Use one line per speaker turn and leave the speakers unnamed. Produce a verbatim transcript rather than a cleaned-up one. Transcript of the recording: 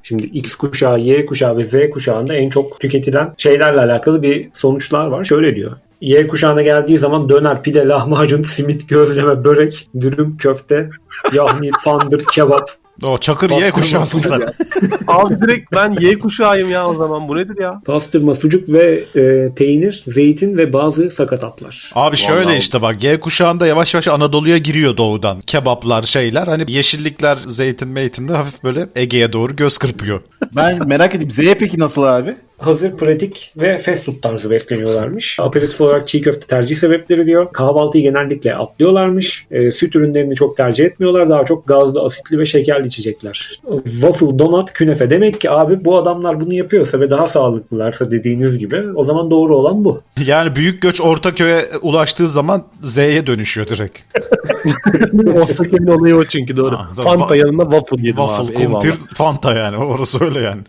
Şimdi X kuşağı, Y kuşağı ve Z kuşağında en çok tüketilen şeylerle alakalı bir sonuçlar var. Şöyle diyor. Y kuşağına geldiği zaman döner, pide, lahmacun, simit, gözleme, börek, dürüm, köfte, yahni, tandır, kebap.
O Çakır Y kuşağısın sen.
Abi direkt ben Y kuşağıyım ya o zaman. Bu nedir ya?
Pastırma, sucuk ve e, peynir, zeytin ve bazı sakatatlar.
Abi şöyle
Vallahi.
işte bak, Y kuşağında yavaş yavaş Anadolu'ya giriyor doğudan. Kebaplar, şeyler, hani yeşillikler, zeytin meytin de hafif böyle Ege'ye doğru göz kırpıyor.
Ben merak edeyim. Z peki nasıl abi?
Hazır, pratik ve fast food tarzı besleniyorlarmış. Aperatif olarak çiğ köfte tercih sebepleri diyor. Kahvaltıyı genellikle atlıyorlarmış. E, süt ürünlerini çok tercih etmiyorlar. Daha çok gazlı, asitli ve şekerli içecekler. Waffle, donut, künefe. Demek ki abi bu adamlar bunu yapıyorsa ve daha sağlıklılarsa dediğiniz gibi o zaman doğru olan bu.
Yani büyük göç Ortaköy'e ulaştığı zaman Z'ye dönüşüyor direkt.
Ortaköy'ün olayı o çünkü doğru.
Ha, doğru.
Fanta yanında waffle yedim
Waffle,
abi. Eyvallah.
kumpir, Fanta yani. Orası öyle yani.